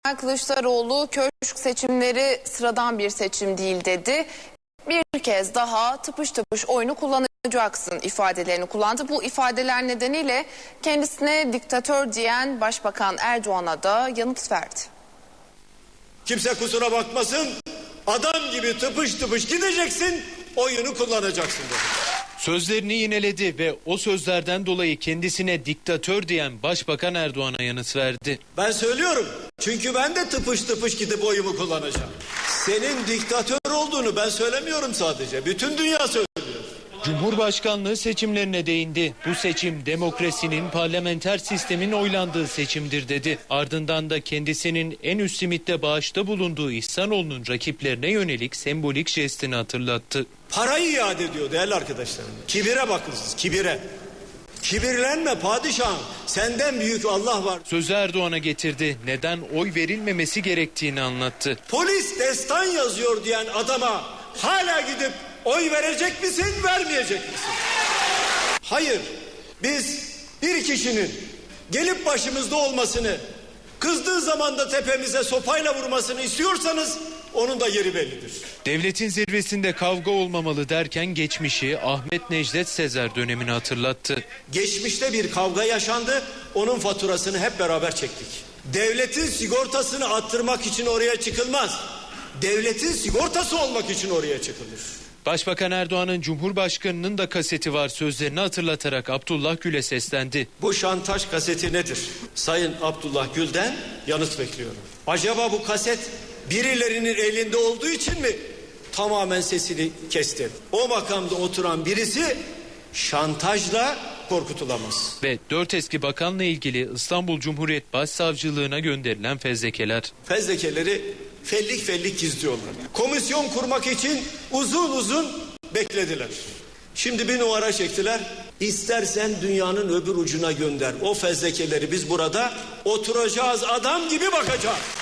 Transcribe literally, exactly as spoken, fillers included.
Kılıçdaroğlu köşk seçimleri sıradan bir seçim değil dedi. Bir kez daha tıpış tıpış oyunu kullanacaksın ifadelerini kullandı. Bu ifadeler nedeniyle kendisine diktatör diyen Başbakan Erdoğan'a da yanıt verdi. Kimse kusura bakmasın, adam gibi tıpış tıpış gideceksin, oyunu kullanacaksın dedi. Sözlerini yineledi ve o sözlerden dolayı kendisine diktatör diyen Başbakan Erdoğan'a yanıt verdi. Ben söylüyorum çünkü ben de tıpış tıpış gidip oyumu kullanacağım. Senin diktatör olduğunu ben söylemiyorum sadece, bütün dünya söylüyor. Cumhurbaşkanlığı seçimlerine değindi. Bu seçim demokrasinin, parlamenter sistemin oylandığı seçimdir dedi. Ardından da kendisinin en üst simitte bağışta bulunduğu İhsanoğlu'nun rakiplerine yönelik sembolik jestini hatırlattı. Parayı iade ediyor değerli arkadaşlarım. Kibire bakın siz, kibire. Kibirlenme padişahım, senden büyük Allah var. Sözü Erdoğan'a getirdi. Neden oy verilmemesi gerektiğini anlattı. Polis destan yazıyor diyen adama hala gidip oy verecek misin, vermeyecek misin? Hayır, biz bir kişinin gelip başımızda olmasını, kızdığı zaman da tepemize sopayla vurmasını istiyorsanız onun da yeri bellidir. Devletin zirvesinde kavga olmamalı derken geçmişi Ahmet Necdet Sezer dönemini hatırlattı. Geçmişte bir kavga yaşandı, onun faturasını hep beraber çektik. Devletin sigortasını attırmak için oraya çıkılmaz. Devletin sigortası olmak için oraya çıkılır. Başbakan Erdoğan'ın Cumhurbaşkanı'nın da kaseti var sözlerini hatırlatarak Abdullah Gül'e seslendi. Bu şantaj kaseti nedir? Sayın Abdullah Gül'den yanıt bekliyorum. Acaba bu kaset birilerinin elinde olduğu için mi tamamen sesini kesti? O makamda oturan birisi şantajla korkutulamaz. Ve dört eski bakanla ilgili İstanbul Cumhuriyet Başsavcılığına gönderilen fezlekeler. Fezlekeleri fellik fellik gizliyorlar. Komisyon kurmak için uzun uzun beklediler. Şimdi bir numara çektiler. İstersen dünyanın öbür ucuna gönder. O fezlekeleri biz burada oturacağız, adam gibi bakacağız.